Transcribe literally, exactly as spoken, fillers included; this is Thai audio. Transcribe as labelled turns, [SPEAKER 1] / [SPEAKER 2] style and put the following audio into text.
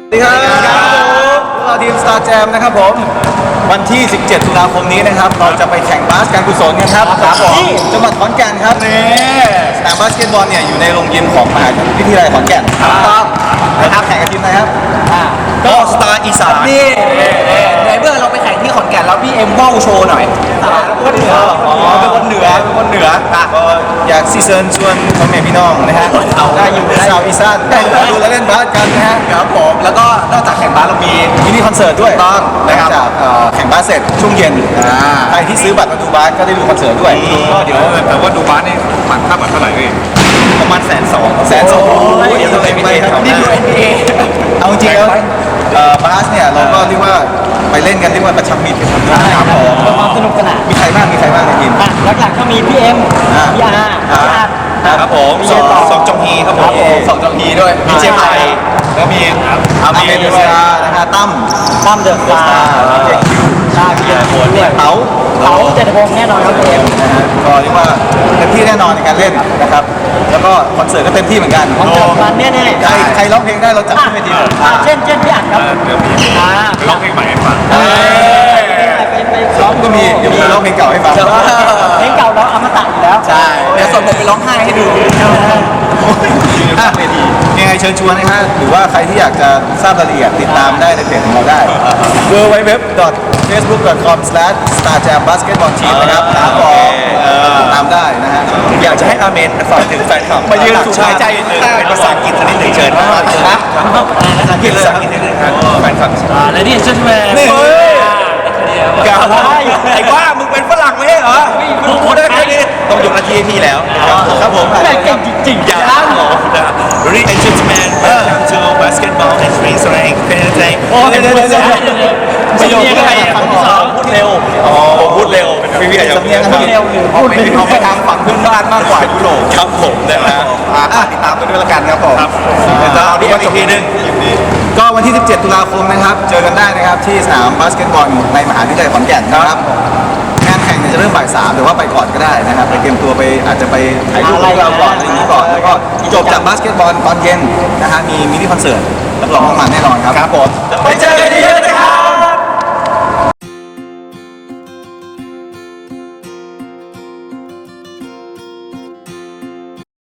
[SPEAKER 1] สวัสดีครับพวกเราทีม Star Jam นะครับผมวันที่ สิบเจ็ด ตุลาคมนี้นะครับเราจะไปแข่งบาสการกุศลกันครับที่จังหวัดขอนแก่นครับนี่สนามบาสเกตบอลเนี่ยอยู่ในโรงยิมของมหาวิทยาลัยขอนแก่นครับนะครับแข่งกับทีมไหนครับก็สตาร์อีสาน
[SPEAKER 2] นี่ในเมื่อเราไปแข่งที่ขอนแก่นแล้วพี่เอ็มว่าวโชว์หน่อย
[SPEAKER 1] คนเหนืออ๋อเป็นคนเหนือเป็นคนเหนือก็อยากซีเซิร์นชวนพ่อแม่พี่น้องนะฮะได้อยู่ในชาวอีสานได้ดูและเล่นบาสกันนะฮะ
[SPEAKER 2] ครับผมแล้วก็นอกจากแข่งบาสเรามี
[SPEAKER 1] มินิคอนเสิร์ตด้วย
[SPEAKER 2] ต้องนะครับ
[SPEAKER 1] จากแข่งบาสเสร็จช่วงเย็นใครที่ซื้อบัตรมาดูบาสก็ได้ดูคอนเสิร์ตด้วยก็เดี๋ยว
[SPEAKER 3] แต่ว่าดูบาสนี่บัตรค่าบัตรเท่าไหร่พี่
[SPEAKER 1] ประมาณแสนสองแสนสองเดี๋ยวจะไปครับ
[SPEAKER 2] นี่คือ เอ็น บี เอ
[SPEAKER 1] เอาจริงแล้วบาสเนี่ยเราก็เรียกว่าไปเล่นกันเรียกว่าประชับมิตรกันครับผม
[SPEAKER 4] ความสนุกสนาน
[SPEAKER 1] มีใครบ้างมีใครบ้างในทีม
[SPEAKER 4] หลักๆก็มีพี่เอ็มพี่อาร์พี่อาร์
[SPEAKER 1] ครับผมสองสองจงฮีครับผม
[SPEAKER 2] สองจอมพีด้วย
[SPEAKER 1] มีเจมไทยแล้วมีอาเมเดสกานะฮะตั้ม
[SPEAKER 4] ตั้มเดอะสตาร์
[SPEAKER 1] เจคิว
[SPEAKER 4] ชาเบียร์คนด้วย
[SPEAKER 1] เต๋า
[SPEAKER 4] เต๋าเจตพงษ์แน่นอนครับพี่เอ็ม
[SPEAKER 1] นะฮะก็เรียกว่าเต็มที่แน่นอนในการเล่นนะครับแล้วก็คอนเสิร์ตก็เต็มที่เหมือนกัน
[SPEAKER 4] คอนเสิร์ตมันแน่ๆ
[SPEAKER 1] ใครใครร้องเพลงได้เราจับขึ้นเวที
[SPEAKER 4] เช่นเช่นพี่อัดครับอ่า
[SPEAKER 3] ร้องเพลงใหม่ให้ฟัง
[SPEAKER 4] ไปไปซ้อม
[SPEAKER 1] ก็มีเดี๋ยวมีร้องเพลงเก่าให้ฟัง
[SPEAKER 4] เพลงเก่าเราอมตะอยู่แล้ว
[SPEAKER 2] ใช่เดี๋ยวส่งผมไปร้องไห้ให้ดู
[SPEAKER 1] เวทียังไงเชิญชวนนะฮะหรือว่าใครที่อยากจะทราบรายละเอียดติดตามได้ในเพจของเราได้ ดับเบิลยู ดับเบิลยู ดับเบิลยู ดอท เฟซบุ๊ก ดอท คอม สแลช สตาร์ แจม บาสเกตบอล ทีม นะครับครับผมติดตามได้นะฮะ
[SPEAKER 2] อยากจะให้อาเมนฝากถึงแฟนคลับมายืนสูงหายใจเป็นภาษาอังกฤษนิดหนึ่งเชิญครับภาษาอังกฤษภาษาอังกฤษนิดหนึ่งครับแฟนคลับ
[SPEAKER 4] และนี่เช่นแม่
[SPEAKER 2] นี่กาไอ้ว่ามึงเป็นฝรั่งไม่ใช่เหรอมึงพูดได้แค่นี้ต้องยกหน้าที่ให้พี่แล้ว
[SPEAKER 1] ครับผม
[SPEAKER 4] แม่เก่งจริงๆ
[SPEAKER 2] อย่าล้างหรอ Ladies and gentlemen welcome to basketball and spring strength painting
[SPEAKER 1] โอ้เดี๋ยวเดี๋ยวเดี๋ยว
[SPEAKER 4] ประโยคที่ไหนคำที่สอง
[SPEAKER 2] พูดเร็วอ๋อพูดเร็วพี่พี่อาจจะ
[SPEAKER 1] สำเนียง
[SPEAKER 4] พูดเร็วหรือ
[SPEAKER 2] ออก
[SPEAKER 4] พูด
[SPEAKER 2] ไป
[SPEAKER 4] เป็น
[SPEAKER 2] ออกไปทางฝั่งเพื่อนบ้านมากกว่ายุโรปครับผมนะฮะติดตามกันด้วยละกันครับผมเดี๋ยวจะเอาดูอีกทีนึง
[SPEAKER 1] ก็วันที่ สิบเจ็ด ตุลาคมนะครับเจอกันได้นะครับที่สนามบาสเกตบอลในมหาวิทยาลัยขอนแก่นนะครับงานแข่งเนี่ยจะเริ่มบ่ายสามหรือว่าไปก่อนก็ได้นะครับไปเตรียมตัวไปอาจจะไปถ่ายรูปกับเราก่อนอะไรอย่างนี้ก่อนแล้วก็จบจากบาสเกตบอลตอนเย็นนะฮะมีมินิคอนเสิร์ตรับรองว่ามันแน่นอนครับ
[SPEAKER 2] ครับผมไปเจอกันที่